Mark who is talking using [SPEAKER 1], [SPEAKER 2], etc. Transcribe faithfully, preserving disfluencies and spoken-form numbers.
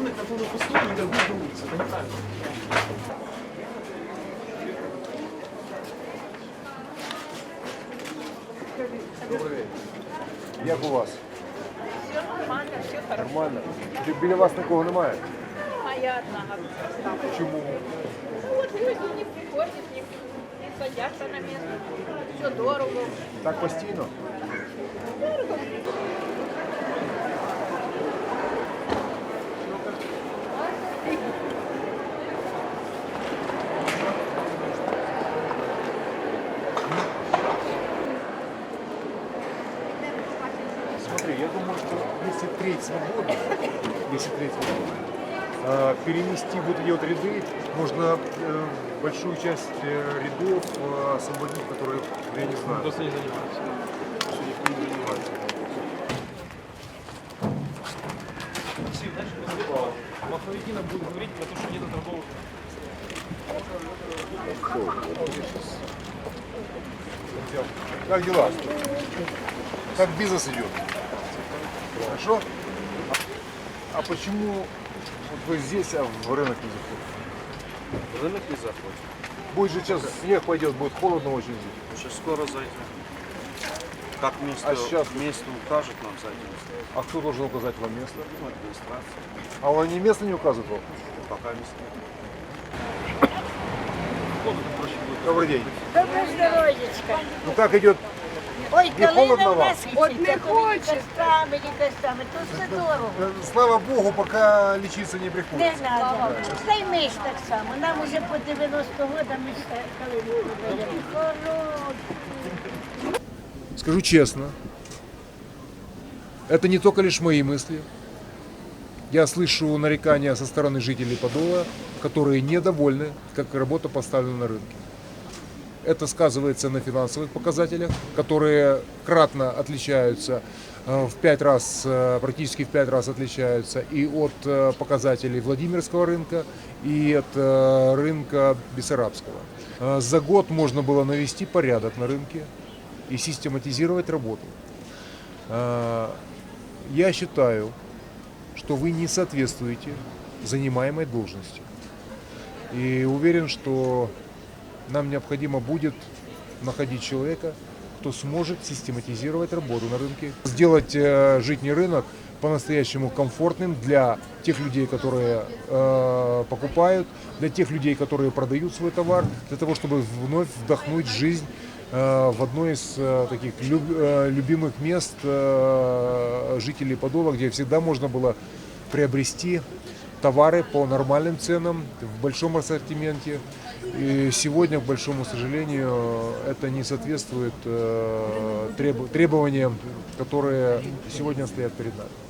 [SPEAKER 1] рынок, который пустой, не торгует на улице. Это неправильно.
[SPEAKER 2] Добрий день. Як у вас?
[SPEAKER 3] Все нормально, все хорошо.
[SPEAKER 2] Нормально? Чи біля вас нікого немає?
[SPEAKER 3] Моя одна.
[SPEAKER 2] Чому?
[SPEAKER 3] Ну вот люди не приходят, не, не садятся на место. Все дорого.
[SPEAKER 2] Так постійно?
[SPEAKER 3] Дорого.
[SPEAKER 2] Смотри, я думаю, что если треть свободна, если треть свободна, э, перенести вот эти вот ряды, можно э, большую часть э, рядов э, освободить, которые, я не знаю,
[SPEAKER 1] Просто не занимаются.
[SPEAKER 2] что никто не занимается.
[SPEAKER 1] Максим, знаешь, Маховикина будет говорить про то, что нет торговых.
[SPEAKER 2] Как дела? Как бизнес идет? Хорошо? А почему вот вы здесь, а в рынок не заходите?
[SPEAKER 4] Рынок не заходит.
[SPEAKER 2] Будет же сейчас снег пойдет, будет холодно очень здесь.
[SPEAKER 4] Сейчас скоро зайдем. Как место,
[SPEAKER 2] А сейчас?
[SPEAKER 4] место укажет нам зайдем.
[SPEAKER 2] А кто должен указать вам место?
[SPEAKER 4] Ну, администрация.
[SPEAKER 2] А он не место не указывает вам?
[SPEAKER 4] Пока место нет.
[SPEAKER 2] Добрый день.
[SPEAKER 5] Добре здоров'ячка.
[SPEAKER 2] Ну как идет?
[SPEAKER 5] Ой,
[SPEAKER 2] Не холодно
[SPEAKER 5] калина в
[SPEAKER 2] вам?
[SPEAKER 5] нас
[SPEAKER 3] От не
[SPEAKER 5] хоче. Костами, костами, то все дорого.
[SPEAKER 2] Э, Слава Богу, пока лечиться не
[SPEAKER 5] Не
[SPEAKER 2] приходится.
[SPEAKER 5] треба. Та й ми ж так само. Нам уже по дев'яносто років, ми ще калину продаємо. Хороші.
[SPEAKER 2] Скажу честно, это не только лишь мои мысли. Я слышу нарекания со стороны жителей Подола, которые недовольны, как работа поставлена на рынке. Это сказывается на финансовых показателях, которые кратно отличаются, э, в пять раз, э, практически в пять раз отличаются и от э, показателей Владимирского рынка, и от э, рынка Бессарабского. Э, За год можно было навести порядок на рынке и систематизировать работу. Э, Я считаю, что вы не соответствуете занимаемой должности. И уверен, что нам необходимо будет находить человека, кто сможет систематизировать работу на рынке, сделать э, житний рынок по-настоящему комфортным для тех людей, которые э, покупают, для тех людей, которые продают свой товар, для того, чтобы вновь вдохнуть жизнь э, в одно из э, таких люб, э, любимых мест э, жителей Подола, где всегда можно было приобрести товары по нормальным ценам, в большом ассортименте. И сегодня, к большому сожалению, это не соответствует э, треб- требованиям, которые сегодня стоят перед нами.